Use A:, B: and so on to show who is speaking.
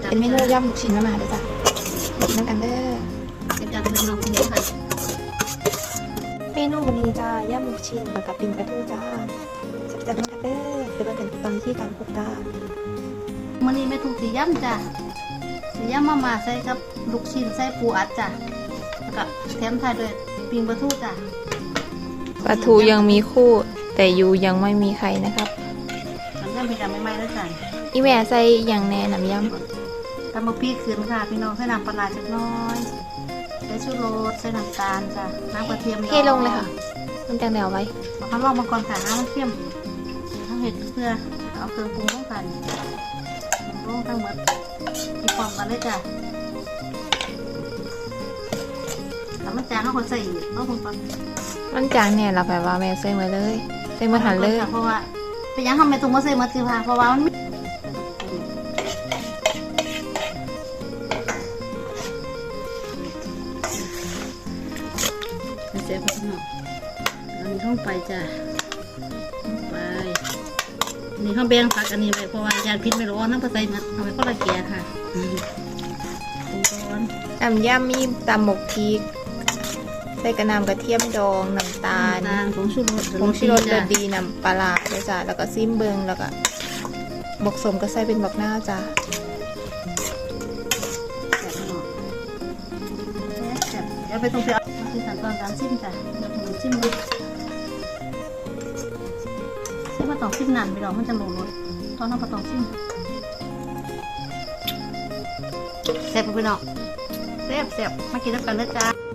A: เป็นเมนูย่ำลูกชิ้นมาเด้อจ้ะกินน้ำกันเด้อ
B: เป็นการเป็นน้องคนเดียวค่ะ
A: เมนูวันนี้จ้าย่ำลูกชิ้นกับปิ้งปลาทูจ้าจัดน้ำกันเด้อเดี๋ยวเราเป็นตอนที่การคลุกจ้า
B: มื้อนี้แม่ถูกสีย่ำจ้ะสีย่ำมาใส่กับลูกชิ้นใส่ปูอัดจ้ะแล้วก็แถมท้ายด้วยปิ้งปลาทูจ้ะ
C: ปลาทูยังมีคู่ แต่ยูยังไม่มีใครนะครับ
B: มันย่ำเป็นการใหม่ๆแล้วจ้ะ
C: อีแม่ใส่อย่างแน่น้ำย
B: ตำมะพริกคืนค่ะพี่น้องใส่น้ำปลาจักน้อยใส่ชูรสใส่น้ำตาลจ้ะน้ำกระเทียม
C: ำเทลงเลยค่ะมันจังเดียวไว้
B: มาพันลองมาก่อนค่ะน้ำมันเค็มทั้งเห็ดเพื่อเอาเครื่องปรุงลงกันลงทั้งหมดมีความกันเลยจ้ะแล้วมันจางเขาคนใส่อีกเอาคนก่อน
C: มันจางเนี่ยเราแบบว่าแม่ใส่มาเลยใส่มาหันเลย
B: เพราะว่าเป็นยังทำไมตรงมาใส่มาคือค่ะเพราะว่ามันเสียบไปหน่อยอันนี้เข้าไปจ้ะไปนี่ข้าวแบงผักอันนี้ไปเพราะว่ายาพิษไม่ร้อนน้ำปลาใส่นะเอาไปก็ละแก่ค่ะปรุงก่อน
C: น้ำยำมีตำหมกพริกใส่กระนำกระเทียมดองน้ำตาล
B: ผงชูรส
C: ผงชูรสดีน้ำปลาร้าด้วยจ้ะแล้วก็ซิมเบิงแล้วก็บกสมก็ใส่เป็นบักหน้าวจ้ะ
B: เดี๋ยวไปตรงที่คือขั้นตอนการซิมจ้ะเดี๋ยวผมซิมดูซิมมาต้องซิมนานไปหรอกมันจะหลงรสตอนนั้นมาต้องซิมแซ่บไปหรอกแซ่บมากินแล้วกันเลยจ้า